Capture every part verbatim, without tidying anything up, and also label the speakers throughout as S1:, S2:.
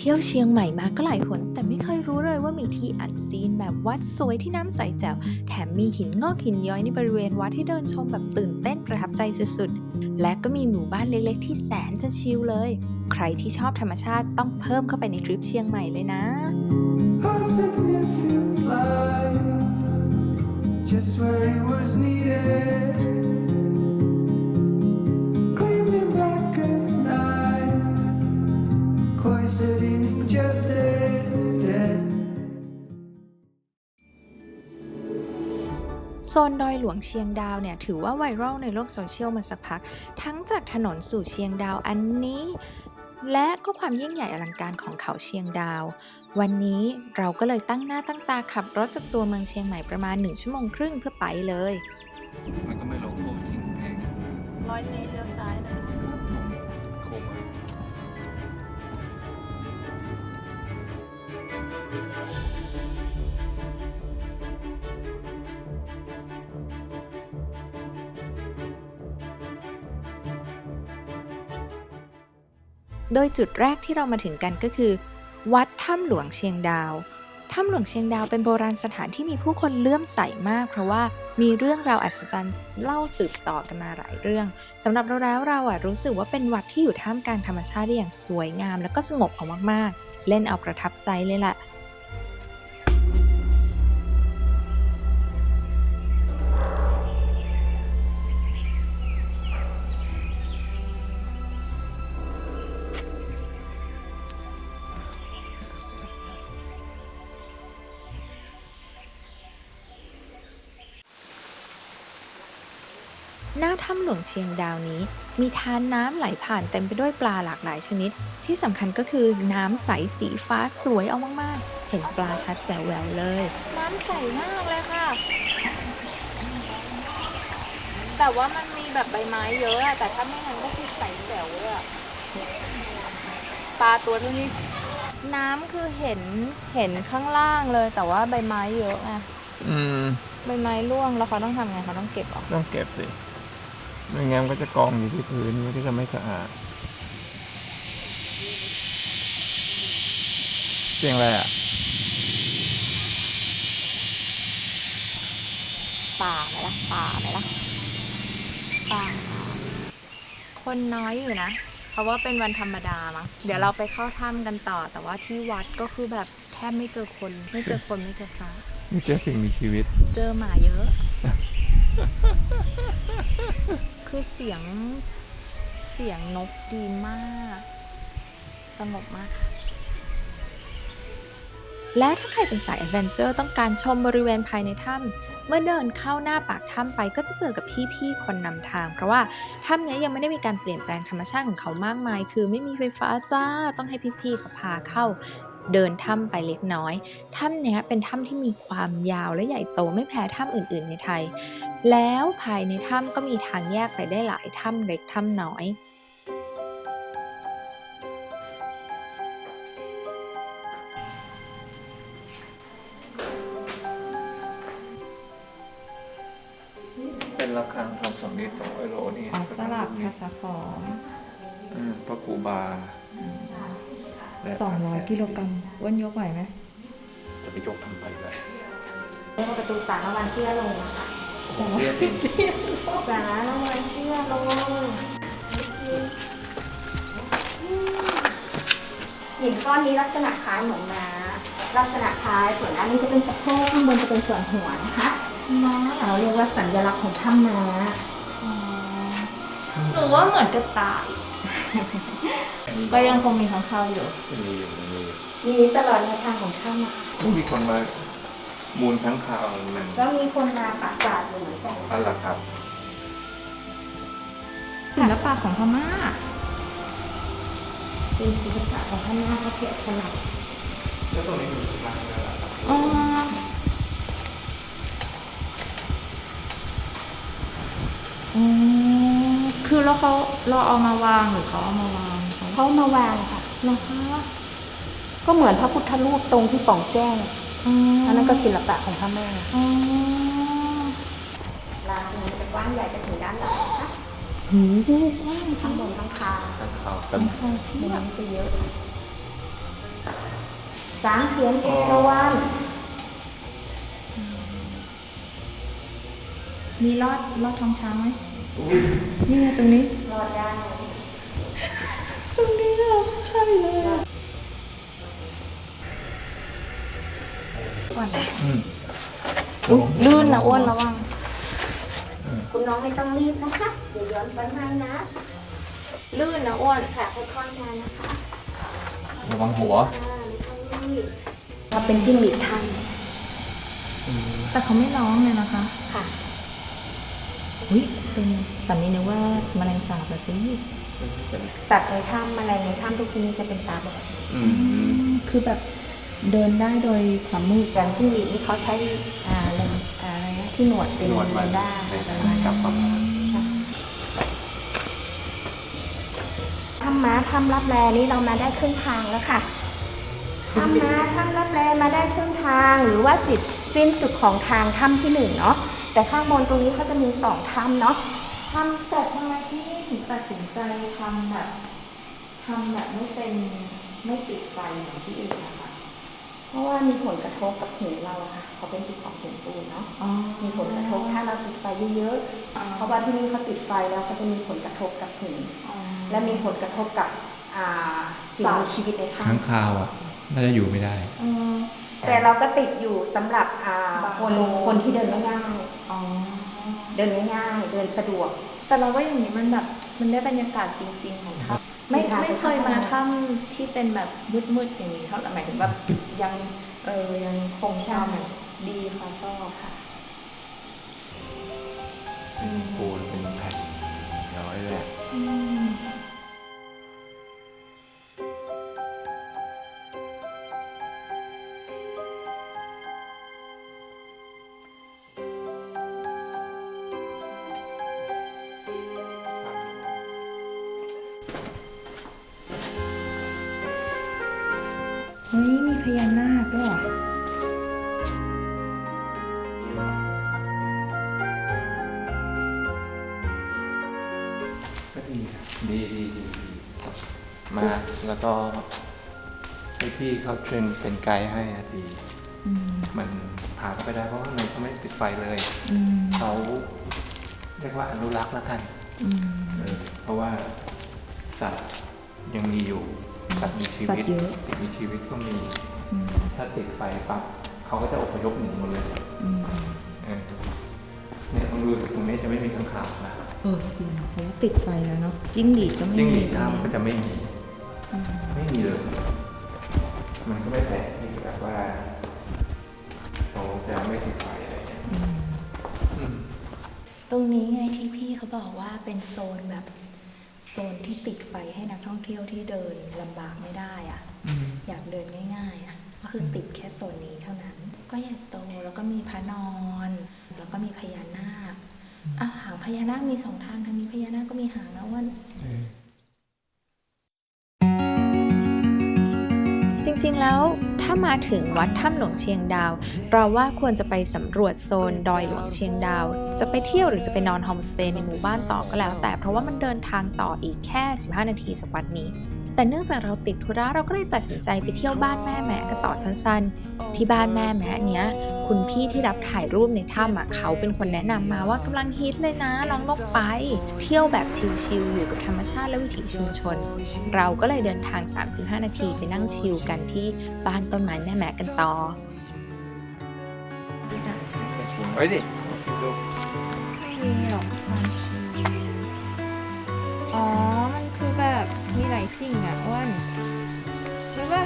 S1: ที่ยวเชียงใหม่มาก็หลายหนแต่ไม่เคยรู้เลยว่ามีที่อันซีนแบบวัดสวยที่น้ำใสแจ๋วแถมมีหินงอกหินย้อยในบริเวณวัดให้เดินชมแบบตื่นเต้นประทับใจสุดๆและก็มีหมู่บ้านเล็กๆที่แสนจะชิลเลยใครที่ชอบธรรมชาติต้องเพิ่มเข้าไปในทริปเชียงใหม่เลยนะ
S2: Just where it was needed, gleaming black as night, cloistered in injustice, dead.
S1: โซนดอยหลวงเชียงดาวเนี่ยถือว่าไวรัลในโลกโซเชียลมาสักพักทั้งจากถนนสู่เชียงดาวอันนี้และก็ความยิ่งใหญ่อลังการของเขาเชียงดาววันนี้เราก็เลยตั้งหน้าตั้งตาขับรถจากตัวเมืองเชียงใหม่ประมาณหนึ่งชั่วโมงครึ่งเพื่อไปเลย
S3: มันก็ไม่โลโก้ทิ้งแพงอยู่นะ
S1: ร้อยเมตรเลี้ยวซ้ายนะ
S3: โค้งมา
S1: โดยจุดแรกที่เรามาถึงกันก็คือวัดถ้ำหลวงเชียงดาวถ้ำหลวงเชียงดาวเป็นโบราณสถานที่มีผู้คนเลื่อมใสมากเพราะว่ามีเรื่องราวอัศจรรย์เล่าสืบต่อกันมาหลายเรื่องสำหรับเราแล้วเราอะรู้สึกว่าเป็นวัดที่อยู่ท่ามกลางธรรมชาติได้อย่างสวยงามและก็สงบเอามากๆเล่นเอาประทับใจเลยล่ะหน้าถ้ำหลวงเชียงดาวนี้มีทานน้ำไหลผ่านเต็มไปด้วยปลาหลากหลายชนิดที่สำคัญก็คือน้ำใสสีฟ้าสวยเอามากๆเห็นปลาชัดแจ๋วแหววเลยน้ำใสมากเลยค่ะแต่ว่ามันมีแบบใบไม้เยอะแต่ถ้าไม่งั้นก็คือใสแจ๋วเลยอะปลาตัวเท่านี้น้ำคือเห็นเห็นข้างล่างเลยแต่ว่าใบไม้เยอะไง
S3: อืม
S1: ใบไม้ร่วงแล้วเขาต้องทำไงเขาต้องเก็บออก
S3: ต้องเก็บสิไม่งั้นก็จะกองอยู่ที่พื้นที่จะไม่สะอาดเสียงอะไรอ่ะ
S1: ป่าไหมล่ะป่าไหมล่ะป่าคนน้อยอยู่นะเพราะว่าเป็นวันธรรมดามั้งเดี๋ยวเราไปเข้าถ้ำกันต่อแต่ว่าที่วัดก็คือแบบแทบไม่เจอคนไม่เจอคนไม่เจอพระ
S3: ไม่เจอสิ่งมีชีวิต
S1: เจอหมาเยอะ คือเสียงเสียงนกดีมากสงบมากและถ้าใครเป็นสายแอดเวนเจอร์ต้องการชมบริเวณภายในถ้ำเมื่อเดินเข้าหน้าปากถ้ำไปก็จะเจอกับพี่ๆคนนำทางเพราะว่าถ้ำนี้ยังไม่ได้มีการเปลี่ยนแปลงธรรมชาติของเขามากมายคือไม่มีไฟฟ้าจ้าต้องให้พี่ๆเขาพาเข้าเดินถ้ำไปเล็กน้อยถ้ำนี้เป็นถ้ำที่มีความยาวและใหญ่โตไม่แพ้ถ้ำอื่นๆในไทยแล้วภายในถ้ำก็มีทางแยกไปได้หลายถ้ำเล็กถ้ำน้อย
S3: เป็นระฆังทำสำริดสองร้อยโลนี่
S1: อ๋อสลักภาษาขอม
S3: พระกูบา
S1: สองร้อยกิโลกรัมอ้วนยกไหวไหม
S3: จะไปยกทำไปเลย
S1: เรียกว่าประตูสารวันเตี้ยลงนะคะ
S3: เตี้ยติด
S1: สารวันเตี้ยลง
S4: หินก้อนนี้ลักษณะคล้ายเหมือนม้าลักษณะคล้ายส่วนอันนี้จะเป็นสะโพกข้างบนจะเป็นส่วนหัวนะคะม้าเราเรียกว่าสัญลักษณ์ของถ้ำม้า
S1: หนูว่าเหมือนกระต่ายก็ยังคงมีข้างเข้าอยู่
S3: มีอยู่มี
S4: มีตลอดแนวทางของถ้ำนะคะ
S3: มีคนมามูลทั้งข่าวมัน
S4: ก็มีคนมาปะปาดอยู่เหมือนกัน
S3: อะไรครับ
S1: ศิลปะของพม่า
S4: เป็นศิลปะของพม่าเขาแกะสลัก
S3: แล้วตรงนี้มีสลักอะไรล่ะ
S1: อ๋ออืมคือแล้วเขาเราเอามาวางหรือเขาเอามาวาง
S4: เขามาวางค่ะนะคะก็เหมือนพระพุทธรูปตรงที่ป่องแจ้งอันนั้นก็ศิลปะของพม่าลานนี้จะกว้างใหญ่จะถึงด้านหลังนะคะ
S1: หูกว้าง
S4: ข้างบนข้างคา
S3: ข้างคา
S4: ข้างคาที่มันจะเยอะสามเสียนเอราวัณ
S1: มีลอดลอดท้องช้างไหมนี่ไงตรงนี้
S4: รอดได้
S1: ตรงนี้อ่ะใช่เลยอ้วนอุ๊ยลื่นนะอ้วนระวัง
S4: คุณน้องไม่ต้องรีบนะคะ เดี๋ยวย้อนไปให้นะ
S1: ลื่นนะอ้วน
S4: ค่ะค่อยๆมานะคะ
S3: ระวังหัว
S4: อ่าไม่ต้องรีบเราเป็นจิ้งหรีดไทย
S1: แต่เขาไม่ร้องเลยนะคะ
S4: ค่ะ
S1: อุ้ยเป็นสามีนึกว่าแมลงสาบละสิ
S4: สัตว์ในถ้ำแมลงในถ้ำทุกชนิดจะเป็นตาบอด
S3: อืม
S1: คือแบบเดินได้โดยความมืด
S4: อย่างจิ้งหรีดนี่เขาใช้อ่าเลนอ่าอะไรนะที่หนวดเป็น
S3: หนวดมัน
S4: เรดาร์
S3: เป็นกลับความ
S4: ถ้ำม้าถ้ำรับแลนี่เรามาได้ครึ่งทางแล้วค่ะถ้ำม้าถ้ำรับแลมาได้ครึ่งทาง หรือว่าสิสิ้นสุดของทางถ้ำที่หนึ่งเนาะแต่ข้างบนตรงนี้เขาจะมีสองถ้ำเนาะถ้ำแต่ทำไมที่นี่ถึงตัดสินใจทำแบบทำแบบไม่เป็นไม่ติดไฟเหมือนที่อื่นนะคะเพราะว่ามีผลกระทบกับหินเราอะค่ะเขาเป็นที่ของหินปูนเนาะ มีผลกระทบถ้าเราติดไฟเยอะๆ เพราะว่าที่นี่เขาติดไฟแล้วเขาจะมีผลกระทบกับหินและมีผลกระทบกับอ่าสิ่งมีชีวิตในถ้
S3: ค้างคาวอ่ะ น่าจะอยู่ไม่ได้
S4: ำแต่เราก็ติดอยู่สำหรับอ่าคนคนที่เดินง่ายๆเดินง่ายๆ เดินสะดวก
S1: แต่เราว่าอย่างนี้มันแบบมันได้บรรยากาศจริง ๆ ของถ้ำไม่ไม่เคยมาถ้ำที่เป็นแบบมืดๆอย่างนี้เท่าไหร่หมายถึงแบบยังเออยังคงความแบบดีค่ะชอบค่ะ
S3: ปูนเป็นแผ่นย้อยเลยอะ
S1: เฮ้ยมีพญานาคด้วยเหรอ
S3: ก็ดีครับดีดีดีดีมากแล้วก็ให้พี่เขาเทรนเป็นไกด์ให้อะดี มันพาเขาไปได้เพราะว่าข้างในเขาไม่ติดไฟเลยเขาเรียกว่าอนุรักษ์แล้วกันเออเพราะว่าสัตว์ยังมีอยู่สัตว์มีชี
S1: สัต
S3: วิต
S1: ว์เยอะ
S3: สิ่งมีชีวิตก็มี ถ้าติดไฟปั๊บเขาก็จะอพยพหนีหมดเลยเออเนี่ยต้องดูตรงนี้จะไม่มีข้างคาวนะ
S1: เออจริงเพราะว่าติดไฟแล้วเนาะจิ้งหรีดก็ไม่
S3: ยิ่งห
S1: มี
S3: ลีดน้ำก็จะไม่มี ไม่มีเลย มันก็ไม่แปลกที่แบบว่าเขาจะไม่ติดไฟอะไรเงี้ยอืม
S1: ตรงนี้ไงที่พี่เขาบอกว่าเป็นโซนแบบโซนที่ติดไฟให้นักท่องเที่ยวที่เดินลำบากไม่ได้อะอยากเดินง่ายๆอะก็คือติดแค่โซนนี้เท่านั้น ก็ใหญ่โตแล้วก็มีพระนอน แล้วก็มีพญานาคอ่ะหางพญานาคมีสองทางทางนี้พญานาคก็มีหางนะว่า จริงๆ แล้วถ้ามาถึงวัดถ้ำหลวงเชียงดาวเราว่าควรจะไปสำรวจโซนดอยหลวงเชียงดาว จะไปเที่ยวหรือจะไปนอนโฮมสเตย์ในหมู่บ้านต่อก็แล้ว แต่เพราะว่ามันเดินทางต่ออีกแค่สิบห้านาทีจากวัดนี้ แต่เนื่องจากเราติดธุระเราก็เลยตัดสินใจไปเที่ยวบ้านแม่แหมกันต่อสั้นๆ ที่บ้านแม่แหมเนี้ยคุณพี่ที่รับถ่ายรูปในถ้ำอ่ะเขาเป็นคนแนะนำมาว่ากำลังฮิตเลยนะลองลงไป เที่ยวแบบชิลๆอยู่กับธรรมชาติและวิถีชุมชน เราก็เลยเดินทางสามสิบห้านาทีไปนั่งชิลกันที่บ้านต้นไม้แม่แหมกันต่อ
S3: ไว้ดิดู
S1: ไม่มีหรอกความชิลอ๋อ มันคือแบบมีหลายสิ่งอ่ะอ้วนหรือว่า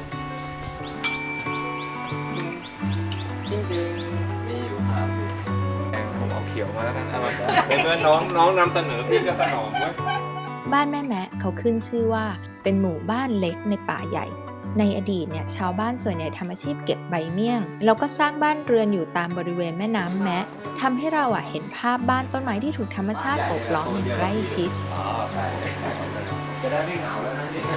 S3: จริงๆมีอยู่ครับแดงผมเอาเขียวมาแล้วกันเอามาในเมื่อน้องน้องนำเสนอพี่ก็สนองเว้ย
S1: บ้านแม่แมะเขาขึ้นชื่อว่าเป็นหมู่บ้านเล็กในป่าใหญ่ ในอดีตเนี่ยชาวบ้านส่วนใหญ่ทำอาชีพเก็บใบเมี่ยง แล้วก็สร้างบ้านเรือนอยู่ตามบริเวณแม่น้ำแมะทำให้เราอ่ะเห็นภาพบ้านต้นไม้ที่ถูกธรรมชาติโอบล้อมอย่างใกล้ชิด
S3: จะได้ไม่เหงาแล้วนะนี่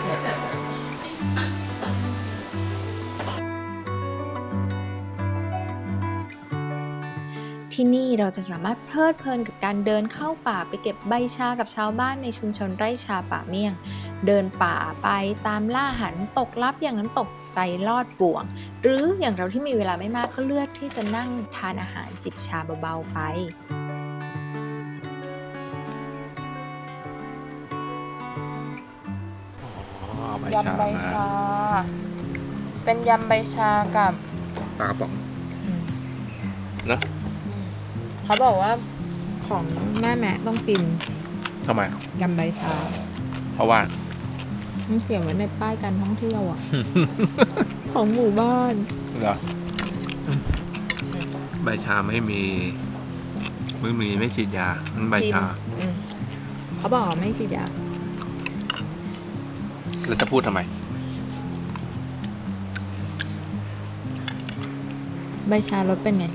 S1: ที่นี่เราจะสามารถเพลิดเพลินกับการเดินเข้าป่าไปเก็บใบชากับชาวบ้านในชุมชนไร่ชาป่าเมี่ยงเดินป่าไปตามล่าหาน้ำตกลับอย่างน้ำตกไซลอดบ่วง หรืออย่างเราที่มีเวลาไม่มากก็เลือกที่จะนั่งทานอาหารจิบชาเบาๆไป
S3: ยำใบชา
S1: เป็นยำใบชากับ
S3: ปลากระป๋องนะ
S1: เขาบอกว่าของแม่แม่ต้องกิน
S3: ทำไม
S1: ยำใบชา
S3: เพราะว่า
S1: มันเขียนไว้ในป้ายการท่องเที่ยวอ่ะ ของหมู่บ้าน
S3: เหรอใบชาไม่มีไม่มีไม่ฉีดยามันใบชา
S1: อืมเขาบอกว่าไม่ฉีดยา
S3: แล้วจะพูดทำไม
S1: ใบชารสเป็นไง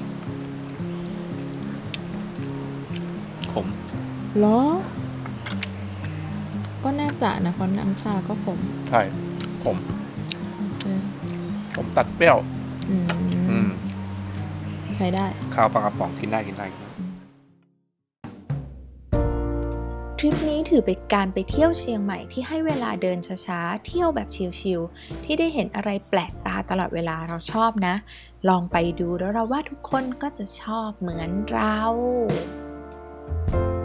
S3: ขม
S1: เหรอ ก็น่าจะนะเพราะน้ำชาก็ขม
S3: ใช่ขม
S1: เออ
S3: ขมตัดเปรี้ยว
S1: อื
S3: อื
S1: ม
S3: ม
S1: ใช้ได้
S3: ข้าวปลากระป๋องกินได้กินได้
S1: ทริปนี้ถือเป็นการไปเที่ยวเชียงใหม่ที่ให้เวลาเดินช้าๆ เที่ยวแบบชิลๆ ที่ได้เห็นอะไรแปลกตาตลอดเวลาเราชอบนะ ลองไปดูแล้วเราว่าทุกคนก็จะชอบเหมือนเรา